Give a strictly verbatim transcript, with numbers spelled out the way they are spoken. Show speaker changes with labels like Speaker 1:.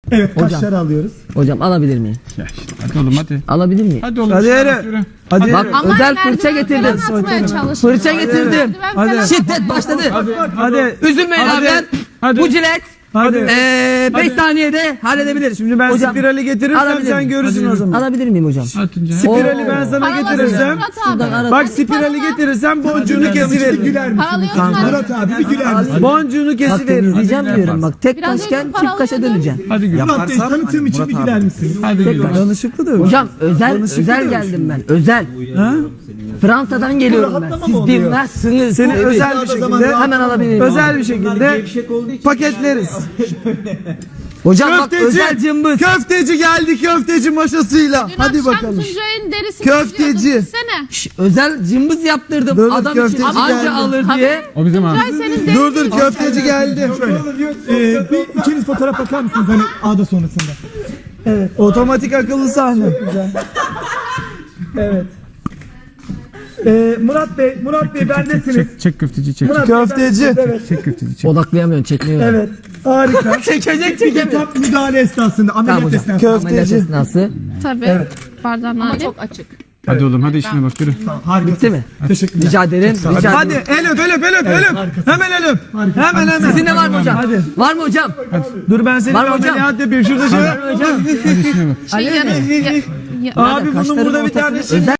Speaker 1: Evet,
Speaker 2: Hocam.
Speaker 1: kaşları alıyoruz.
Speaker 2: Hocam alabilir miyim?
Speaker 3: Ya işte, hadi oğlum hadi.
Speaker 2: Alabilir miyim?
Speaker 3: Hadi oğlum.
Speaker 4: Hadi
Speaker 3: işte,
Speaker 4: yürü.
Speaker 3: yürü.
Speaker 4: Hadi.
Speaker 2: Bak
Speaker 5: Ama
Speaker 2: özel
Speaker 5: merdiven
Speaker 2: fırça getirdim.
Speaker 5: falan atmaya çalışın.
Speaker 2: Fırça getirdim.
Speaker 5: Merdiven
Speaker 4: Hadi.
Speaker 5: falan-
Speaker 2: Şiddet başladı.
Speaker 4: Hadi.
Speaker 2: Üzülmeyin
Speaker 4: Hadi.
Speaker 2: abi ben.
Speaker 3: Hadi.
Speaker 2: Bu cilet
Speaker 4: Hadi.
Speaker 2: beş saniyede halledebilir.
Speaker 4: Şimdi ben
Speaker 2: Hocam,
Speaker 4: spirali getirirsem
Speaker 2: alabilir
Speaker 4: sen
Speaker 2: miyim?
Speaker 4: görürsün o zaman.
Speaker 2: Alabilir miyim hocam?
Speaker 3: Atınca.
Speaker 4: Spirali
Speaker 2: Oo.
Speaker 4: ben sana
Speaker 5: Paralasın
Speaker 4: getirirsem.
Speaker 5: Murat
Speaker 2: Şuradan
Speaker 5: abi.
Speaker 2: ara-
Speaker 4: Bak spirali getirirsem boncuğunu
Speaker 1: Bir
Speaker 4: kesiverim.
Speaker 1: güler misin?
Speaker 5: Paralıyorsun abi.
Speaker 1: Murat abi bir güler misin?
Speaker 4: Boncuğunu
Speaker 2: Bak
Speaker 4: kesiverim.
Speaker 2: temizleyeceğim
Speaker 3: Hadi
Speaker 2: diyorum bak. Tek
Speaker 5: Biraz
Speaker 2: kaşken
Speaker 5: önce
Speaker 2: çift kaşa
Speaker 5: paralıyordun.
Speaker 2: döneceğim.
Speaker 3: Hadi gül.
Speaker 1: Murat Bey tanıtım için bir güler misin?
Speaker 3: Hadi gül.
Speaker 4: Danışıklı da.
Speaker 2: Hocam özel
Speaker 4: Danışıklı
Speaker 2: özel
Speaker 4: da
Speaker 2: geldim ben. Özel.
Speaker 4: Ha?
Speaker 2: Fransa'dan geliyorum ben.
Speaker 1: rahatlama
Speaker 2: Siz
Speaker 1: mı oluyor?
Speaker 2: bilmezsiniz.
Speaker 4: Seni
Speaker 2: Evet.
Speaker 4: özel bir şekilde
Speaker 2: Hemen alabilirim.
Speaker 4: özel bir şekilde paketleriz.
Speaker 2: Hocam bak
Speaker 4: Köfteci,
Speaker 2: özel cımbız.
Speaker 4: köfteci geldi köfteci maşasıyla.
Speaker 5: Dün
Speaker 4: Hadi
Speaker 5: akşam
Speaker 4: bakalım.
Speaker 5: Tuncay'ın derisini
Speaker 4: Köfteci.
Speaker 5: çiziyordun, gitsene.
Speaker 2: Şş, özel cımbız yaptırdım.
Speaker 4: Dur, dur,
Speaker 2: Adam için
Speaker 4: köfteci
Speaker 2: anca
Speaker 4: geldi.
Speaker 2: alır
Speaker 5: Tabii.
Speaker 2: diye.
Speaker 3: O bizim abi.
Speaker 5: Tuncay senin derisini
Speaker 4: Dur dur köfteci geldi.
Speaker 1: Ee, bir ikiniz fotoğraf bakar mısınız hani A'da sonrasında?
Speaker 4: Otomatik akıllı sahne.
Speaker 1: Evet. Ee, Murat Bey, Murat Bey bendesiniz.
Speaker 3: Çek, çek köfteci çek.
Speaker 1: Murat Bey,
Speaker 4: Köfteci.
Speaker 1: bendesiniz, Evet.
Speaker 3: Çek köfteci çek.
Speaker 2: Odaklayamıyorsun, çekmiyor.
Speaker 1: Evet. Harika.
Speaker 2: Çekecek çekemiyor.
Speaker 1: Tam müdahale esnasında,
Speaker 2: Tamam
Speaker 1: ameliyat
Speaker 2: hocam.
Speaker 1: esnasında.
Speaker 4: Köfteci.
Speaker 2: Ameliyat esnası.
Speaker 5: Tabii. Bardağın hali. Çok açık.
Speaker 3: Hadi oğlum hadi işine bak yürü.
Speaker 1: Harika.
Speaker 2: Bitti mi?
Speaker 1: Teşekkürler.
Speaker 2: Rica ederim. Rica
Speaker 4: Hadi
Speaker 2: ederim.
Speaker 4: el öp el öp el öp el öp. Hemen el öp. Hemen hemen.
Speaker 2: Sizin de var mı hocam?
Speaker 4: Hadi.
Speaker 2: Var mı hocam?
Speaker 4: Dur ben seni
Speaker 2: Var
Speaker 4: bir
Speaker 2: mı hocam?
Speaker 4: ameliyat yapayım. Şurada şöyle.
Speaker 2: Hocam.
Speaker 5: Şey, yarın, ya, ya,
Speaker 4: Abi bunun
Speaker 2: Kaşlarım
Speaker 4: burada bir
Speaker 2: ortasına
Speaker 4: tane şey.
Speaker 2: özel